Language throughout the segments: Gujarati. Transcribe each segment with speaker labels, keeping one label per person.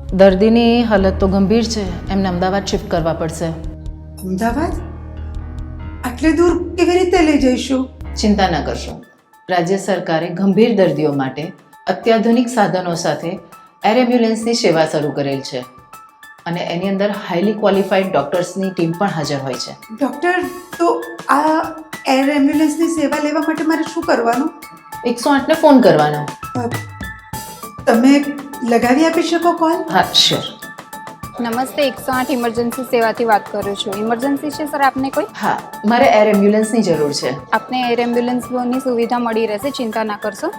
Speaker 1: દર્દીની હાલત તો ગંભીર છે, એમને અમદાવાદ શિફ્ટ કરવા પડશે.
Speaker 2: અમદાવાદ? આટલે દૂર કેવી રીતે લઈ જઈશું?
Speaker 1: ચિંતા ન કરશો. રાજ્ય સરકારે ગંભીર દર્દીઓ માટે અત્યાધુનિક સાધનો સાથે એર એમ્બ્યુલન્સની સેવા શરૂ કરેલ છે અને એની અંદર હાઈલી ક્વોલિફાઈડ ડૉક્ટર્સની ટીમ પણ હાજર હોય છે.
Speaker 2: ડૉક્ટર, તો આ એર એમ્બ્યુલન્સની સેવા લેવા માટે મારે શું કરવાનું?
Speaker 1: 108ને ફોન કરવાનો.
Speaker 2: તમે લગાવી આપી શકો કોલ?
Speaker 1: હા, શ્યોર.
Speaker 3: નમસ્તે, 108 ઇમરજન્સી સેવાથી વાત કરું છું. ઇમરજન્સી છે સર આપને કોઈ?
Speaker 1: હા, મારે એર એમ્બ્યુલન્સની જરૂર છે.
Speaker 3: આપને એર એમ્બ્યુલન્સની સુવિધા મળી રહેશે, ચિંતા ના કરશો.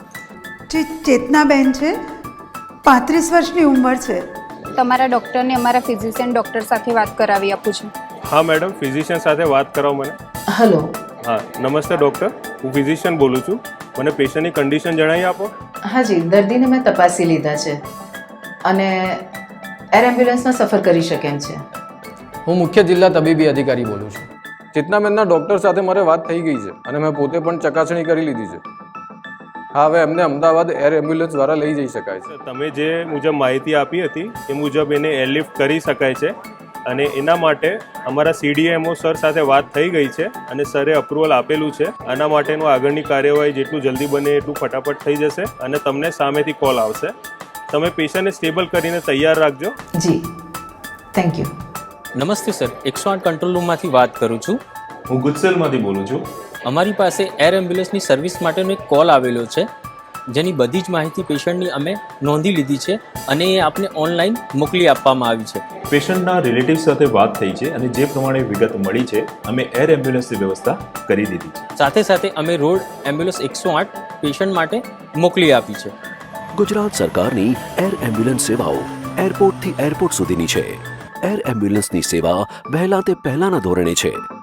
Speaker 2: ચેતનાબેન છે, 35 વર્ષની ઉંમર છે.
Speaker 3: તમારા ડૉક્ટરને અમારા ફિઝિશિયન ડૉક્ટર સાથે વાત કરાવી આપું છું.
Speaker 4: હા મેડમ, ફિઝિશિયન સાથે વાત કરાવો મને.
Speaker 1: હલો.
Speaker 4: હા નમસ્તે ડૉક્ટર, હું ફિઝિશિયન બોલું છું. મને પેશન્ટની કન્ડિશન જણાવી આપો.
Speaker 1: હાજી, દર્દીને મેં તપાસી લીધા છે અને એર એમ્બ્યુલન્સમાં સફર કરી શકે એમ છે.
Speaker 5: હું મુખ્ય જિલ્લા તબીબી અધિકારી બોલું છું. ચેતનાબેનના ડૉક્ટર સાથે મારે વાત થઈ ગઈ છે અને મેં પોતે પણ ચકાસણી કરી લીધી છે. હા, હવે એમને અમદાવાદ એર એમ્બ્યુલન્સ દ્વારા લઈ જઈ શકાય છે.
Speaker 4: તમે જે મુજબ માહિતી આપી હતી એ મુજબ એને એરલિફ્ટ કરી શકાય છે અને એના માટે અમારા CDMO સર સાથે વાત થઈ ગઈ છે અને સરે અપ્રુવલ આપેલું છે. આના માટેનું આગળની કાર્યવાહી જેટલું જલ્દી બને એટલું ફટાફટ થઈ જશે અને તમને સામેથી કોલ આવશે. તમે પેશન્ટને સ્ટેબલ કરીને તૈયાર રાખજો.
Speaker 1: જી, થેન્ક યુ.
Speaker 6: નમસ્તે સર, 108 કંટ્રોલ રૂમમાંથી વાત કરું છું.
Speaker 4: હું ગુજસેલમાંથી બોલું છું.
Speaker 6: અમારી પાસે એર એમ્બ્યુલન્સની સર્વિસ માટેનો એક કોલ આવેલો છે, જેની બધી જ માહિતી પેશન્ટની અમે નોંધી લીધી છે અને એ આપને ઓનલાઈન મોકલી આપવામાં આવી છે.
Speaker 7: પેશન્ટના રિલેટિવ સાથે વાત થઈ છે અને જે પ્રમાણે વિગત મળી છે અમે એર એમ્બ્યુલન્સની વ્યવસ્થા કરી દીધી છે.
Speaker 6: સાથે સાથે અમે રોડ એમ્બ્યુલન્સ 108 પેશન્ટ માટે મોકલી આપી છે.
Speaker 8: ગુજરાત સરકારની એર એમ્બ્યુલન્સ સેવાઓ એરપોર્ટથી એરપોર્ટ સુધીની છે. એર એમ્બ્યુલન્સની સેવા વહેલા તે પહેલાના ધોરણે છે.